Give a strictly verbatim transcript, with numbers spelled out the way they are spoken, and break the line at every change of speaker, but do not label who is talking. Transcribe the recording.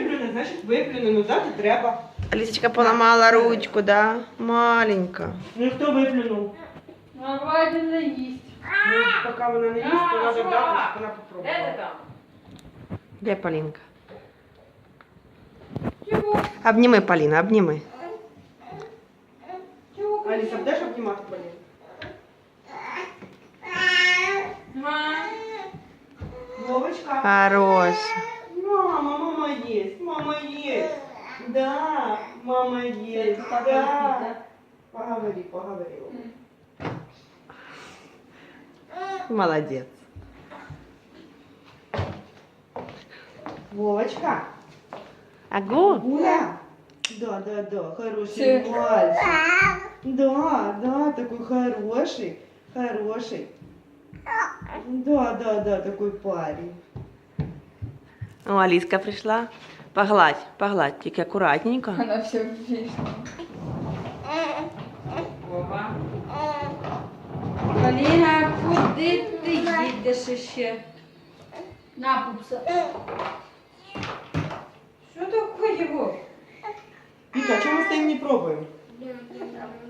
виплюне, значить виплюне, ну дати треба.
Алісочка поламала ручку, да? Маленька.
Ну і хто виплюнув?
Ну, вроде не їсть.
Ну, поки вона не їсть, то треба дати, щоб вона попробувала.
Де Полінка?
Чого?
Обніми, Поліна, обніми.
Чого?
Аліса, будеш обнімати Поліну? Вовочка.
Хороша.
Мама, мама есть, мама есть. Да, мама есть, да. Поговори, поговори.
Молодець.
Вовочка.
Агу?
Гуля. Да, да, да, хороший
Всё.
мальчик. Да, да, такой хороший, хороший. Да, да, да, такой парень.
О, Аліска прийшла. Погладь, погладь, тільки акуратненько.
Вона все ввічна. Вова. Поліна, куди ти їдеш ще? На, пупса. Що таке, Вов?
Вика, а чего мы стоим не пробуем?